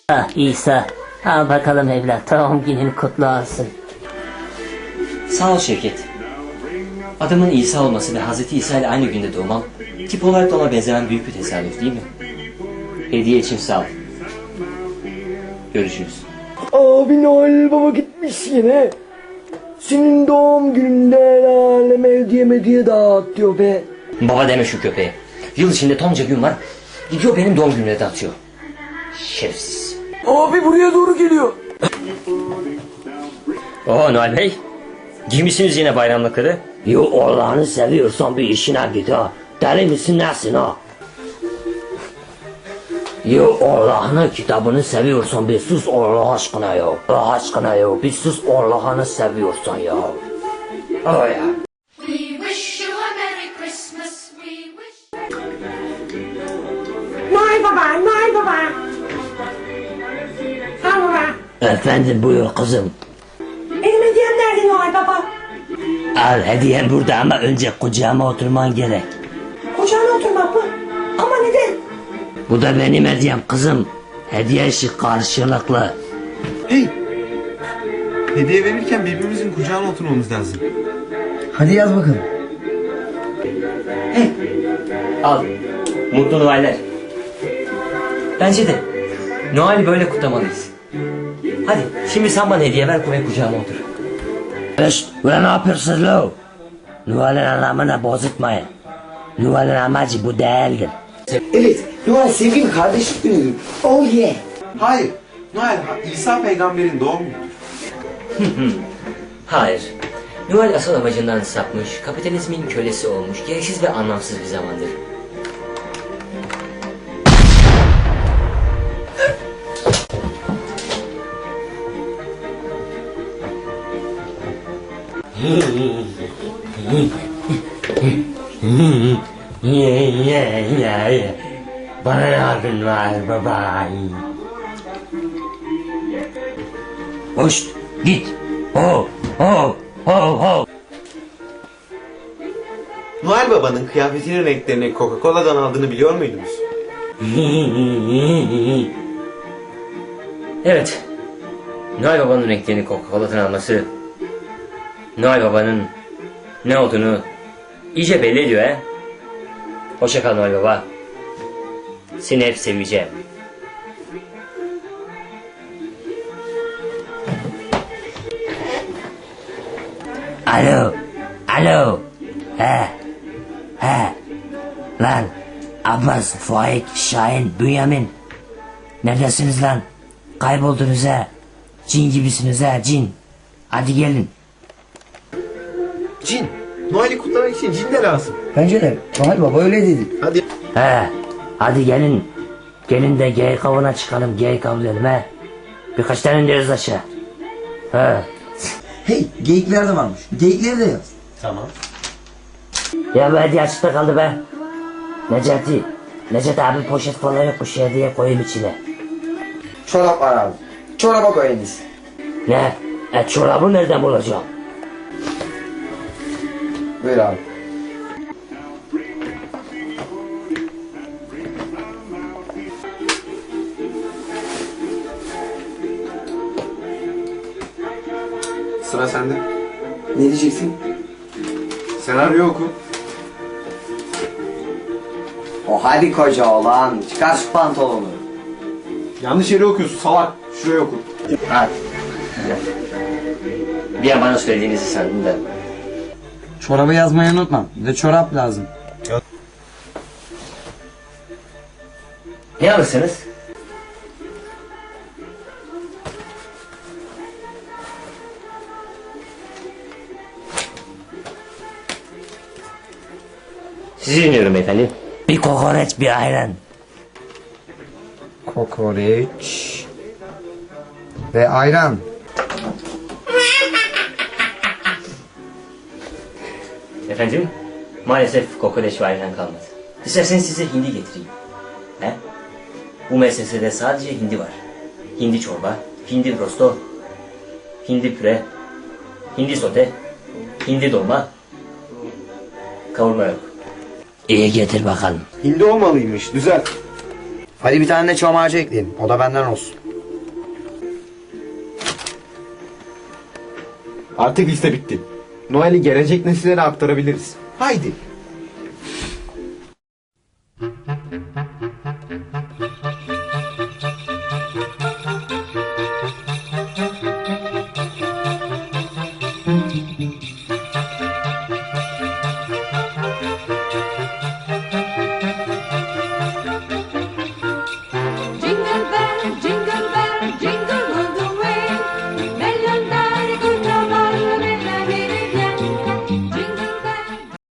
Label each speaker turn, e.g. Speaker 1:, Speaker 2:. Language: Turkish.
Speaker 1: Ah İsa, al bakalım evlat, doğum günün kutlu olsun.
Speaker 2: Sağ ol Şevket. Adamın İsa olması ve Hazreti İsa ile aynı günde doğmam, tip olarak da ona benzeyen büyük bir tesadüf değil mi? Hediye için sağ ol. Görüşürüz.
Speaker 3: Abi Noel Baba gitmiş yine. Senin doğum gününde el aleme hediye dağıt diyor be.
Speaker 2: Baba deme şu köpeğe. Yıl içinde tonca gün var, gidiyor benim doğum gününe dağıtıyor. Şerefsiz.
Speaker 3: Abi buraya doğru geliyor.
Speaker 2: Oo Noel Bey, giymişsiniz yine bayramlıkları.
Speaker 1: Yo Allah'ını seviyorsan bir işine git ha. Deli misin nesin ha? Yo Allah'ını kitabını seviyorsan bir sus Allah aşkına ya. Allah aşkına ya bir sus Allah'ını seviyorsan ya. Oh ya.
Speaker 4: We wish you a Merry Christmas. We wish.
Speaker 5: Noel Baba, Noel Baba. Ha baba.
Speaker 1: Efendim buyur kızım.
Speaker 5: Benim hediyem nerede Noel Baba?
Speaker 1: Al hediyem burada ama önce kucağıma oturman gerek.
Speaker 5: Kucağına oturmak mı? Ama neden?
Speaker 1: Bu da benim hediyem kızım. Hediye işi karşılıklı.
Speaker 6: Hey! Hediye verirken birbirimizin kucağına oturmamız lazım.
Speaker 3: Hadi yaz bakalım.
Speaker 2: Al, mutlu Noeller. Bence de Noel'i böyle kutlamalıyız. Hadi şimdi sen bana hediye ver, koy kucağıma otur.
Speaker 1: Ulan ne yapıyorsunuz lo? Noel'in anlamını bozutmayın. Noel'in amacı bu değildir.
Speaker 3: Evet, Noel sevgili kardeşlik günüdür. Oh yeah.
Speaker 6: Hayır, Noel İsa peygamberin doğum günüdür.
Speaker 2: Hayır. Noel asıl amacından sapmış, kapitalizmin kölesi olmuş, gereksiz ve anlamsız bir zamandır.
Speaker 1: Bana yardım ver baba. Hoş git. Ho ho ho ho.
Speaker 6: Noel Baba'nın kıyafetinin renklerini Coca-Cola'dan aldığını biliyor muydunuz?
Speaker 2: Evet. Noel Baba'nın renklerini Coca-Cola'dan alması, Noel Baba'nın ne olduğunu iyice belli ediyor he. Hoşça kal Noel Baba. Seni hep seveceğim.
Speaker 1: Alo. Alo. He. Lan. Abbas, Faik, Şahin, Bünyamin. Neredesiniz lan? Kayboldunuz ha. Cin gibisiniz ha cin. Hadi gelin.
Speaker 6: Cin. Noel'i kutlamak için cin de lazım.
Speaker 3: Bence de Noel Baba öyle dedi.
Speaker 6: Hadi.
Speaker 1: He. Hadi gelin. Gelin de geyik avına çıkalım. Geyik avlayalım he. Birkaç tane indiririz aşağı. He.
Speaker 3: Hey, geyikler de varmış. Geyikleri de yaz.
Speaker 2: Tamam.
Speaker 1: Ya bu hediye açıkta kaldı be. Necati abi poşet falan yokmuş hediye koyayım içine.
Speaker 3: Çorap var abi. Çoraba koyunuz.
Speaker 1: Ne? Çorabı nereden bulacağım?
Speaker 3: Buyur abi.
Speaker 6: Sıra sende.
Speaker 3: Ne diyeceksin?
Speaker 6: Senaryo oku.
Speaker 3: O hadi koca oğlan. Çıkar şu pantolonu.
Speaker 6: Yanlış yeri okuyorsun salak. Şuraya oku.
Speaker 2: Hadi. Bir an bana söylediğinizi sandım da.
Speaker 7: Çorabı yazmayı unutma. Bir de çorap lazım.
Speaker 2: Ne alırsınız? Sizi dinliyorum efendim.
Speaker 1: Bir kokoreç bir ayran.
Speaker 7: Kokoreç. Ve ayran.
Speaker 2: Efendim, maalesef kokoreç ve ayran kalmadı. İsterseniz size hindi getireyim. He? Bu meselede sadece hindi var. Hindi çorba, hindi rosto, hindi püre, hindi sote, hindi dolma, kavurma yok.
Speaker 1: İyi getir bakalım.
Speaker 6: Hindi olmalıymış. Düzelt.
Speaker 7: Hadi bir tane de çam ağacı ekleyelim. O da benden olsun.
Speaker 6: Artık liste bitti. Noel'i gelecek nesillere aktarabiliriz. Haydi.
Speaker 4: Jingle bell, jingle